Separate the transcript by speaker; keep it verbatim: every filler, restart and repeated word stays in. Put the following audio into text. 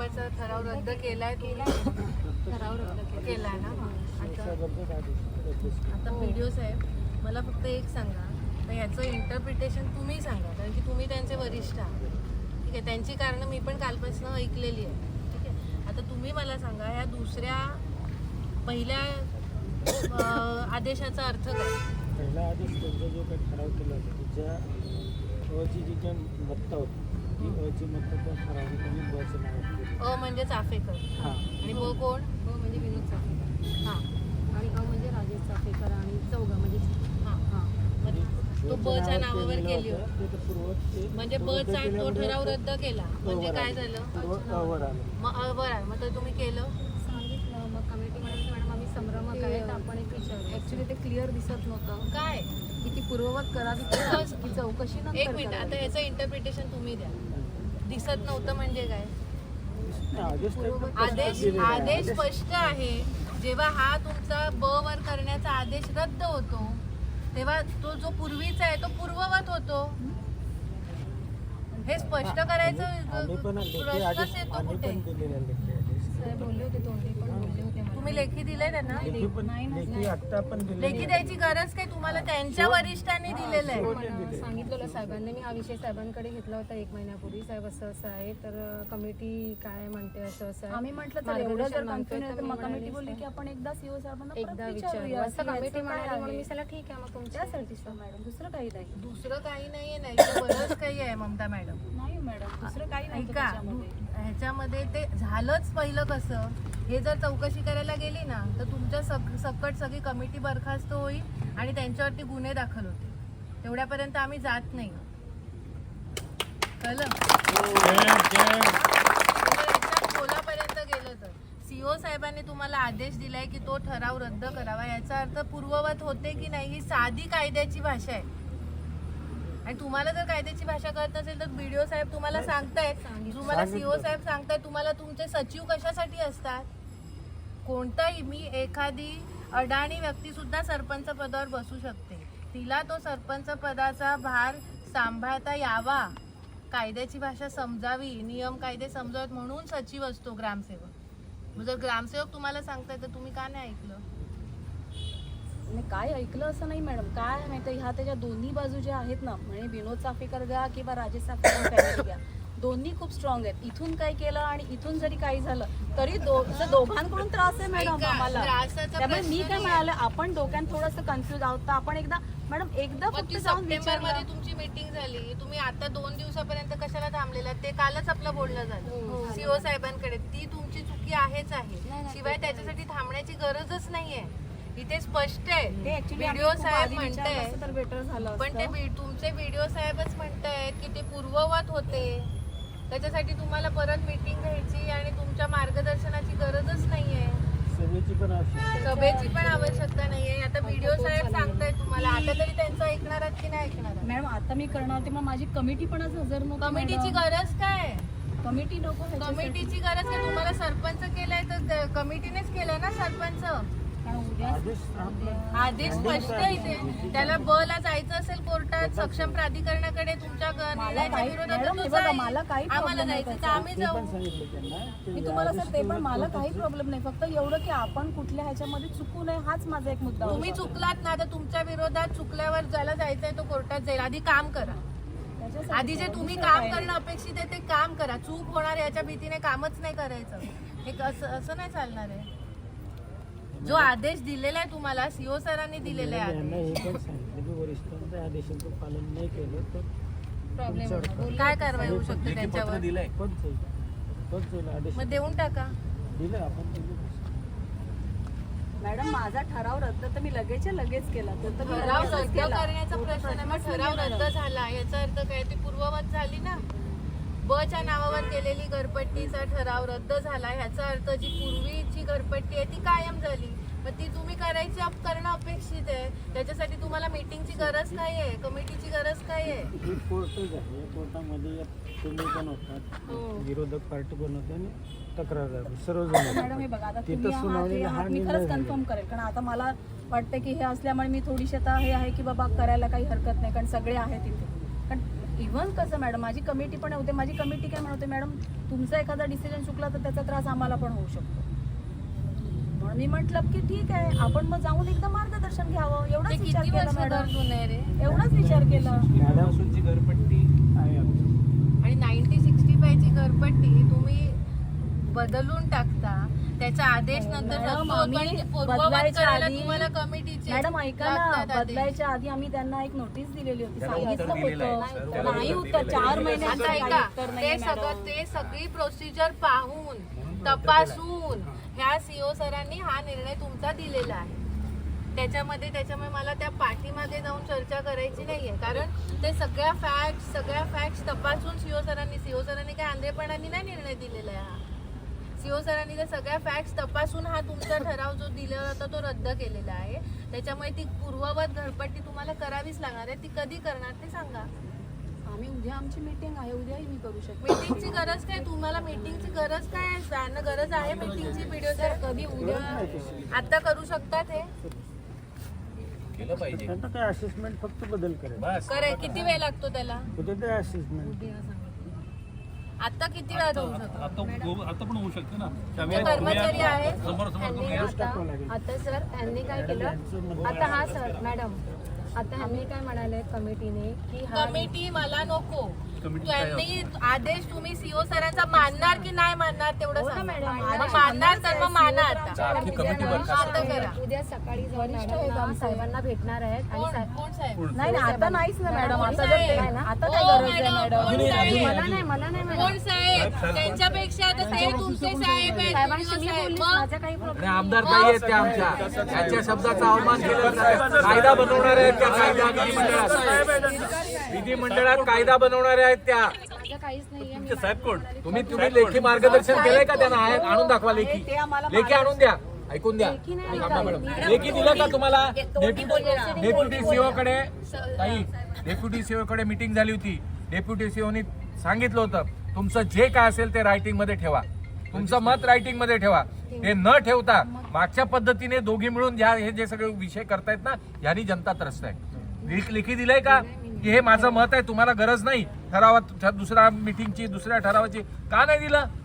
Speaker 1: डिसेंबरचा ठराव रद्द केलाय ठराव रद्द केलाय ना. आता व्हिडिओ साहेब मला फक्त एक सांगा, तर ह्याचं इंटरप्रिटेशन तुम्ही सांगा, कारण की तुम्ही त्यांचे वरिष्ठ आहात. ठीक आहे, त्यांची कारणं मी पण कालपासून ऐकलेली आहे. ठीक आहे, आता तुम्ही मला सांगा ह्या दुसऱ्या पहिल्या आदेशाचा अर्थ काय?
Speaker 2: पहिला आदेश त्यांचा जो काही ठराव केला होता त्याच्या अची जी काही मत्ता होती ती अची मत्ता त्या ठरावाने त्यांनी बचं नाव केलं.
Speaker 1: अ म्हणजे चाफेकर
Speaker 2: हां
Speaker 1: आणि ब कोण?
Speaker 3: ब म्हणजे विनोद चाफेकर
Speaker 1: हां
Speaker 3: आणि अ म्हणजे राजेश चाफेकर आणि चौघा म्हणजे
Speaker 1: हां हां तो बच्या नावावर केली होती. म्हणजे बचा तो ठराव रद्द केला म्हणजे काय झालं?
Speaker 2: अवर आलं.
Speaker 1: मग अवर आलं, मग तर तुम्ही केलं
Speaker 3: सांगितलं. मग कमिटी म्हणाली मॅडम आम्ही संभ्रमक आहे, तर आपण एक विचारू. ॲक्च्युली ते क्लिअर दिसत नव्हतं
Speaker 1: काय
Speaker 3: की ती पूर्ववत करावी की चौकशी नंतर
Speaker 1: एक मिनिट, आता ह्याचं इंटरप्रिटेशन तुम्ही द्या. दिसत नव्हतं म्हणजे काय?
Speaker 2: आदेश
Speaker 1: आदेश आदेश स्पष्ट आहे. जेव्हा हा तुमचा ब वर करण्याचा आदेश रद्द होतो तेव्हा तो जो पूर्वीचा आहे तो पूर्ववत होतो. हे स्पष्ट करायचं प्रश्नच येतो कुठे?
Speaker 3: साहेब बोलले होते, तोंडी पण बोलले होते.
Speaker 1: तुम्ही लेखी दिले त्यांना?
Speaker 2: लेखी आत्ता पण दिली.
Speaker 1: लेखी द्यायची गरज काय? तुम्हाला त्यांच्या वरिष्ठांनी दिलेलं आहे.
Speaker 3: पण सांगितलेलं साहेबांनी, मी हा विषय साहेबांकडे घेतला होता एक महिन्यापूर्वी. साहेब असं असं आहे, तर कमिटी काय म्हणते असं असं आहे.
Speaker 4: आम्ही म्हटलं तर एवढं जर कन्फ्युजन आहे तर मग कमिटी बोलली की आपण एकदा सीओ साहेबांना
Speaker 3: एकदा विचारूया. असं कमिटी म्हणाली म्हणून मी त्याला ठीक आहे मग तुमच्यासाठी मॅडम, दुसरं काही नाही.
Speaker 1: दुसरं काही नाहीये, नाही तर बरंच काही आहे ममता मॅडम.
Speaker 4: नाही मॅडम दुसरं काही नाही
Speaker 1: ऐका, ह्याच्यामध्ये ते झालंच पहिलं कसं, हे जर चौकशी करायला गेली ना तर तुमच्या सक सकट सगळी कमिटी बरखास्त होईल आणि त्यांच्यावरती गुन्हे दाखल होते. तेवढ्यापर्यंत आम्ही जात नाही. कळलं? खोलापर्यंत गेलं तर सीओ साहेबांनी तुम्हाला आदेश दिलाय की तो ठराव रद्द करावा, याचा अर्थ पूर्ववत होते की नाही ही साधी कायद्याची भाषा आहे. आणि तुम्हाला जर कायद्याची भाषा कळत नसेल तर बीडीओ साहेब तुम्हाला सांगतायत, तुम्हाला सीओ साहेब सांगतायत, तुम्हाला तुमचे सचिव कशासाठी असतात? कोणताही मी एखादी अडाणी व्यक्ती सुद्धा सरपंच पदावर बसू शकते, तिला तो सरपंच पदाचा भार सांभाळता यावा, कायद्याची भाषा समजावी, नियम कायदे समजावेत म्हणून सचिव असतो ग्रामसेवक. जर ग्रामसेवक तुम्हाला सांगताय तर तुम्ही का नाही ऐकलं?
Speaker 4: नाही काय ऐकलं असं नाही मॅडम. काय माहिती ह्या त्याच्या दोन्ही बाजू ज्या आहेत ना, म्हणजे विनोद चाफेकर घ्या किंवा राजेश चाफेकर फॅमिली घ्या, दोन्ही खूप स्ट्रॉंग आहेत. इथून काय केलं आणि इथून जरी काही झालं तरी दोघांकडून त्रास आहे मॅडम आम्हाला. त्यामुळे मी काय म्हणाले, आपण डोक्यात थोडंसं कन्फ्युज आहोत, तर आपण एकदा मॅडम एकदा फक्त जाऊन
Speaker 1: मध्ये तुमची मीटिंग झाली, तुम्ही आता दोन दिवसापर्यंत कशाला थांबलेला? ते कालच आपलं बोलणं झालं सीओ साहेबांकडे. ती तुमची चुकी आहेच आहे, शिवाय त्याच्यासाठी थांबण्याची गरजच नाहीये. इथे स्पष्ट आहे, व्हिडिओ साहेब म्हणताय
Speaker 4: तर बेटर झालं.
Speaker 1: पण ते तुमचे व्हिडिओ साहेबच म्हणतायत की ते पूर्ववत होते, त्याच्यासाठी तुम्हाला परत मीटिंग घ्यायची आणि तुमच्या मार्गदर्शनाची गरजच नाहीये,
Speaker 2: सभेची पण आवश्यकता
Speaker 1: सभेची पण आवश्यकता नाहीये. आता व्हिडिओ साहेब सांगतायत तुम्हाला, आता तरी त्यांचं ऐकणार आहात की नाही ऐकणार?
Speaker 4: मॅडम आता मी करणार होते, मग माझी कमिटी पण आज हजर नव्हती.
Speaker 1: कमिटीची गरज काय?
Speaker 4: कमिटी नको,
Speaker 1: कमिटीची गरज काय? तुम्हाला सरपंच केलाय तर कमिटीनेच केलंय ना सरपंच. आदेश स्पष्ट इथे, त्याला ब ला जायचं असेल कोर्टात सक्षम प्राधिकरणाकडे तुमच्या निर्णयाच्या विरोधात
Speaker 4: मला काही
Speaker 1: आम्हाला जायचं तर आम्ही जाऊ.
Speaker 4: मी तुम्हाला सर ते पण मला काही प्रॉब्लेम नाही, फक्त एवढं की आपण कुठल्या ह्याच्यामध्ये चुकू नये हाच माझा एक मुद्दा.
Speaker 1: तुम्ही चुकलात ना तर तुमच्या विरोधात चुकल्यावर ज्याला जायचंय तो कोर्टात जाईल. आधी काम करा, आधी जे तुम्ही काम करणं अपेक्षित आहे ते काम करा. चूक होणार याच्या भीतीने कामच नाही करायचं, हे असं नाही चालणार आहे. जो आदेश दिलेला आहे तुम्हाला सीओ सरांनी दिलेला आहे,
Speaker 2: वरिष्ठांच्या आदेशाचं पालन नाही केलं तर
Speaker 1: प्रॉब्लेम काय कारवाई होऊ शकते त्यांच्यावर? मग देऊन टाका.
Speaker 2: दिलं आपण
Speaker 4: मॅडम माझा ठराव रद्द तर मी लगेच लगेच केला. तर
Speaker 1: ठराव रद्द करण्याचा प्रश्न नाही, मग ठराव रद्द झाला याचा अर्थ काय? ती पूर्ववत झाली ना. बच्या नावावर केलेली घरपट्टीचा ठराव रद्द झाला, ह्याचा अर्थ जी पूर्वीची घरपट्टी आहे ती कायम झाली. मग ती तुम्ही करायची करणं अपेक्षित आहे, त्याच्यासाठी तुम्हाला मीटिंगची गरज काय आहे, कमिटीची गरज काय आहे?
Speaker 2: ही कोर्टच आहे, या कोर्टामध्ये तुम्ही पण होतात, विरोधक पार्टी पण होते आणि तक्रारदार सर्वजण.
Speaker 4: मॅडम हे बघा, आता तुम्ही आहात, मी खरंच कन्फर्म करेल, कारण आता मला वाटतं की हे असल्यामुळे मी थोडीशी आता हे आहे की बाबा करायला काही हरकत नाही, कारण सगळे आहेत इथे. कारण इव्हन कसं मॅडम माझी कमिटी पण होते, माझी कमिटी काय म्हणते मॅडम तुमचा एखादा डिसिजन चुकला तर त्याचा त्रास आम्हाला पण होऊ शकतो. म्हणून मी म्हटलं की ठीक आहे आपण मग जाऊन एकदा मार्गदर्शन घ्यावं,
Speaker 1: ते
Speaker 4: एवढाच विचार
Speaker 1: किती
Speaker 4: केला
Speaker 1: वर्ष
Speaker 4: मॅडम,
Speaker 1: घर जुनं आहे रे?
Speaker 4: एवढाच विचार केला.
Speaker 2: मॅडमची घरपट्टी आहे आमची.
Speaker 1: आणि नाईन्टी सिक्स्टी फाय ची घरपट्टी तुम्ही बदलून टाकता, त्याचा आदेश नंतर
Speaker 4: मॅडम,
Speaker 1: रद्द होतो आणि
Speaker 4: आम्ही
Speaker 1: ते पूर्ववत
Speaker 4: बदलायच्या
Speaker 1: करायला
Speaker 4: आधी-
Speaker 1: तुम्हाला कमिटीचे
Speaker 4: मॅडम ऐका ना,
Speaker 1: लागतात आदेश.
Speaker 4: बदलायच्या आधी आम्ही त्यांना एक नोटीस दिलेली होती,
Speaker 5: त्याला
Speaker 4: सांगितलं
Speaker 5: उत्तर दिलेलं आहे,
Speaker 4: होतं.
Speaker 5: त्याला
Speaker 4: नाही
Speaker 5: उत्तर
Speaker 4: उत्तर,
Speaker 5: दिलेलं आहे.
Speaker 4: चार महिने
Speaker 1: आता
Speaker 4: काही
Speaker 1: ऐका,
Speaker 4: उत्तर
Speaker 1: ते
Speaker 4: नाहीये
Speaker 1: सगळं
Speaker 4: मॅडम.
Speaker 1: ते सगळी प्रोसिजर पाहून तपासून ह्या सीओ सरांनी हा निर्णय तुमचा दिलेला आहे. त्याच्यामध्ये त्याच्यामुळे मला त्या पाठीमागे जाऊन चर्चा करायची नाहीये, कारण ते सगळ्या फॅक्ट सगळ्या फॅक्ट तपासून सीओ सरांनी सीओ सरांनी काय आंधळेपणाने नाही निर्णय दिलेला आहे. हा सीओ सरांनी त्या सगळ्या फॅक्ट्स तपासून हा तुमचा ठराव जो दिलेला होता तो रद्द केलेला आहे. त्याच्यामुळे ती पूर्ववत घरपट्टी तुम्हाला करावीच लागणार आहे. ती कधी करणार ते सांगा.
Speaker 4: आम्ही उद्या आमची मीटिंग आहे, उद्याही मी करू शकते.
Speaker 1: मीटिंगची गरज काय? तुम्हाला मीटिंगची गरज काय आहे? जाणं गरज आहे मीटिंगची? व्हिडिओ
Speaker 4: तर कधी उद्या
Speaker 1: आता करू शकतात हे?
Speaker 5: केलं पाहिजे
Speaker 2: त्यांना काय असेसमेंट फक्त बदल करेल.
Speaker 5: बस.
Speaker 1: करे किती वेळ लागतो त्याला?
Speaker 2: होते ते असेसमेंट.
Speaker 1: आता किती वेळात होऊ शकतो?
Speaker 6: आता गो- आता पण होऊ शकते ना
Speaker 1: तुमचे
Speaker 6: त्यावेळेस
Speaker 1: कर्मचारी आहेत?
Speaker 6: समोर समोर
Speaker 3: ह्यांनी
Speaker 6: तुम्ही
Speaker 3: आता आता सर ह्यांनी काय केलं आता हा सर मॅडम आता ह्यांनी काय म्हणाले कमिटीने की हा
Speaker 1: कमिटी मला नको.
Speaker 6: कमिटी काय
Speaker 1: त्यांनी आदेश तुम्ही सीओ सरांचा मानणार की नाही मानणार तेवढं
Speaker 3: हो ना
Speaker 1: सांगा.
Speaker 3: मॅडम,
Speaker 1: मग
Speaker 3: आदेश
Speaker 1: मानणार तर मग माना आता.
Speaker 5: आखी कमिटी बरखास्त
Speaker 1: आता करा.
Speaker 3: उद्या सकाळी जाऊन
Speaker 4: वरिष्ठ आहेत
Speaker 3: मॅडम
Speaker 4: आमचे.
Speaker 3: साहेबांना भेटणार आहेत आणि
Speaker 1: कोण
Speaker 3: साहेब-
Speaker 1: कोण साहेब?
Speaker 4: नाही नाही आता नाहीच ना मॅडम, आता जर
Speaker 1: साहेब.
Speaker 4: ते- आता काय
Speaker 1: हो,
Speaker 4: गरज आहे
Speaker 1: मॅडम,
Speaker 4: मॅडम?
Speaker 1: कोण साहेब?
Speaker 3: मला नाही मला नाही मॅडम
Speaker 1: कोण साहेब? त्यांच्यापेक्षा आता ते तुमचे साहेब आहेत.
Speaker 3: साहेबांशी मी
Speaker 1: साहेब.
Speaker 3: बोललीच,
Speaker 1: मग
Speaker 3: माझा काही
Speaker 7: आणि
Speaker 3: प्रॉब्लेम
Speaker 7: आमदार काही आहेत त्या आमच्या त्यांच्या शब्दाचा अवमान केला जातो. कायदा बनवणारे आहेत त्या कायदा विधिमंडळात विधिमंडळात कायदा बनवणारे आहेत त्या.
Speaker 3: माझं काहीच नाहीये मी
Speaker 6: तुमचे साहेब कोण?
Speaker 7: तुम्ही तुम्ही लेखी मार्गदर्शन केलंय का त्यांना? आहे आणून दाखवा लेखी.
Speaker 4: ते आम्हाला
Speaker 7: लेखी आणून द्या. ऐकून द्या थांबा मॅडम. लेखी दिलं का तुम्हाला? डेप्युटी सीओ कडे ताई डेप्युटी सीओ कडे मीटिंग झाली होती. डेप्युटी सीओनी सांगितलं होतं तुमचं जे काय असेल ते रायटिंग मध्ये ठेवा, तुमचं मत रायटिंग मध्ये ठेवा. ते न ठेवता मागच्या पद्धतीने दोघी मिळून ज्या हे जे सगळे विषय करतायत ना ह्यानी जनता त्रस्त आहे. लेख- लेखी दिलंय का की हे माझं मत आहे, तुम्हाला गरज नाही ठरावात दुसऱ्या मीटिंगची दुसऱ्या ठरावाची? का नाही दिलं?